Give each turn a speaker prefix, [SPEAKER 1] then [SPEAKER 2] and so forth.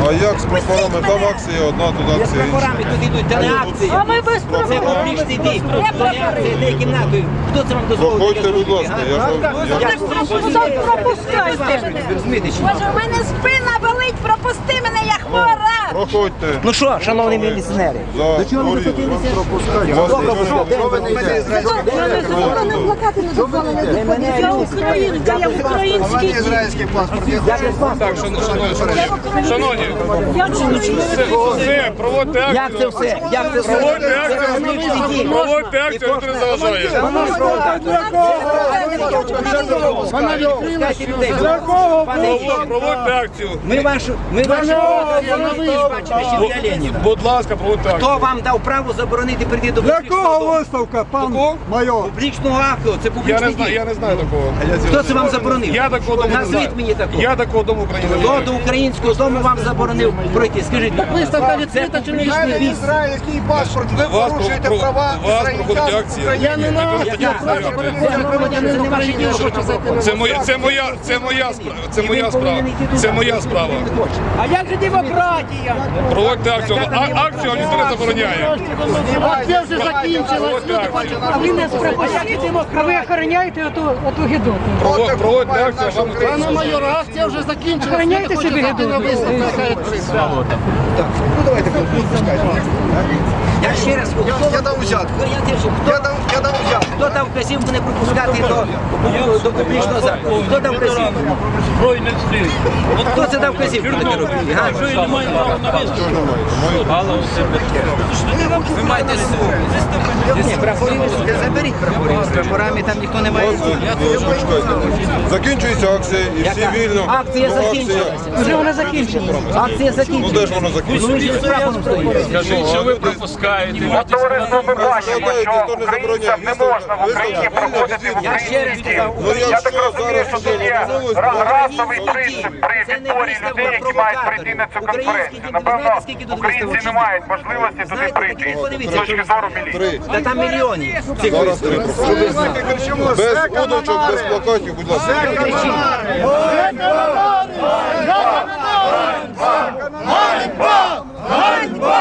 [SPEAKER 1] А як з прапорами? Там акція одна, тут
[SPEAKER 2] З
[SPEAKER 1] акція
[SPEAKER 2] прапорами
[SPEAKER 1] інша.
[SPEAKER 2] тут йдуть, це не акція.
[SPEAKER 3] А ми без
[SPEAKER 2] Це
[SPEAKER 3] прапорів.
[SPEAKER 2] публічний бій. Це не акція, де кімнатою. Хто це вам дозволить?
[SPEAKER 1] Проходьте, будь ласка, я ж
[SPEAKER 3] Пропускайте.
[SPEAKER 2] Ви розумієте, чи ні?
[SPEAKER 3] Боже, у мене спина болить, пропусти мене, я хвора.
[SPEAKER 1] Проходьте.
[SPEAKER 2] Ну що, шановні міліціонери?
[SPEAKER 1] До чого ви захотілися?
[SPEAKER 3] Я українка, я український дім.
[SPEAKER 4] Ізраїльський паспорт.
[SPEAKER 5] Так, шановні, все, проводьте акцію.
[SPEAKER 2] Як це все? Як це все?
[SPEAKER 5] Проводьте акцію, проводьте акцію, ніхто не заважає. Проводьте акцію.
[SPEAKER 2] Ми вашу бачили ще для Леніна.
[SPEAKER 5] Будь ласка, проводьте акцію.
[SPEAKER 2] Хто вам дав право заборонити прийти до
[SPEAKER 4] Для
[SPEAKER 2] публічного
[SPEAKER 4] кого
[SPEAKER 2] дому?
[SPEAKER 4] виставка, пан
[SPEAKER 5] Кого?
[SPEAKER 4] майор?
[SPEAKER 2] Публічного акту, це публічний дім.
[SPEAKER 5] Я не знаю такого.
[SPEAKER 2] Хто це вам заборонив?
[SPEAKER 5] Я такого дому не знаю.
[SPEAKER 2] Назвіть мені такого.
[SPEAKER 5] Я такого дому України не
[SPEAKER 2] Хто
[SPEAKER 5] знаю.
[SPEAKER 2] до українського дому вам заборонив пройти? Скажіть, виставка відкрита чи публічний бій?
[SPEAKER 4] Ізраїльський паспорт. Ви
[SPEAKER 5] Вас
[SPEAKER 4] порушуєте права
[SPEAKER 5] проходить акція.
[SPEAKER 4] Я не знаю.
[SPEAKER 5] Це моя справа.
[SPEAKER 6] А як же демократія?
[SPEAKER 5] Проводьте акцію. Акцію ніхто не забороняє.
[SPEAKER 6] А це вже закінчилось.
[SPEAKER 5] Проводьте акцію.
[SPEAKER 6] А ви нас пропустите. А ви охороняєте оту гідоту?
[SPEAKER 5] Проводьте акцію, вам ніхто не
[SPEAKER 4] Пане
[SPEAKER 5] забороняє.
[SPEAKER 4] майор, акція вже закінчилась.
[SPEAKER 6] Охороняйте собі гідоту.
[SPEAKER 2] Я ще раз
[SPEAKER 4] Я дав взятку. Я дав взятку.
[SPEAKER 2] Хто дав вказівку не пропускати до публічного закладу? Хто дав вказівку? От хто це дав вказівку таке робити? га? Ви маєте ні, прапорів, заберіть прапорів. З прапорами там ніхто не має.
[SPEAKER 1] Закінчується акція і всі вільно.
[SPEAKER 2] Акція закінчилася.
[SPEAKER 6] Вже вона закінчилась.
[SPEAKER 2] Акція
[SPEAKER 1] Ну де
[SPEAKER 2] закінчилася.
[SPEAKER 1] ж воно закінчиться?
[SPEAKER 2] Ну, ви ж з прапором стоїте.
[SPEAKER 7] Скажіть, що ви пропускаєте?
[SPEAKER 8] Товариство, ми бачимо, що українцям не можна в Україні проходити в
[SPEAKER 2] Я ще раз
[SPEAKER 8] Україні.
[SPEAKER 2] сказав,
[SPEAKER 1] Ну я
[SPEAKER 8] Я
[SPEAKER 1] що
[SPEAKER 8] так розумію,
[SPEAKER 1] зараз
[SPEAKER 8] що це є
[SPEAKER 1] новость?
[SPEAKER 8] расовий принцип при відборі людей, які мають прийти на цю конференцію. Напевно, українці не мають можливості туди прийти з точки зору міліції.
[SPEAKER 2] Та там мільйонів цих
[SPEAKER 1] Зараз три. Без удочок, без плакатів, будь ласка.
[SPEAKER 4] Ганьба!